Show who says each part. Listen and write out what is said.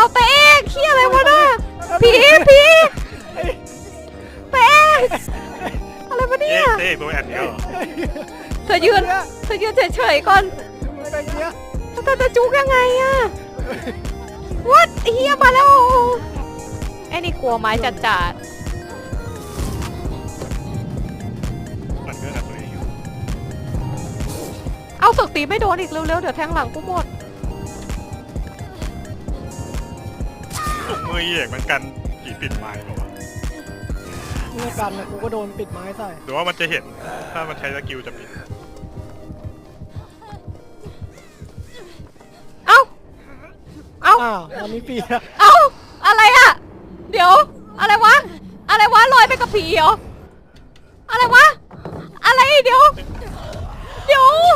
Speaker 1: เอาแต่เอกเฮียอะไรวะน่ะผีแต่เอกอะไรวะเนี่ย
Speaker 2: เต้ตัวแอนเดียว
Speaker 1: เธอยืนเฉยๆก่อน
Speaker 3: ไปเนี้ย
Speaker 1: เธอจะจุกยังไงอะวัดเฮียมาแล้วไอ้นี่กลัวไม้จัด
Speaker 2: มันก็กับตัวเองอยู่
Speaker 1: ๆเอาสึกตีไม่โดนอีกเร็วๆเดี๋ยวแทงหลังกูหมด
Speaker 2: ถุงมือเอกมันกันผีปิดไม้หรอวะ
Speaker 3: เมื่อกันนะกูก็โดนปิดไม้ใส่
Speaker 2: หรือว่ามันจะเห็นถ้ามันใช้สกิลจะปิด
Speaker 1: เอ้า
Speaker 3: อ้าวตอนนี้ปีแล้ว
Speaker 1: เอ้าอะไรอะเดี๋ยวอะไรวะลอยไปกับผีเหรออะไรวะอะไรเดี๋ยว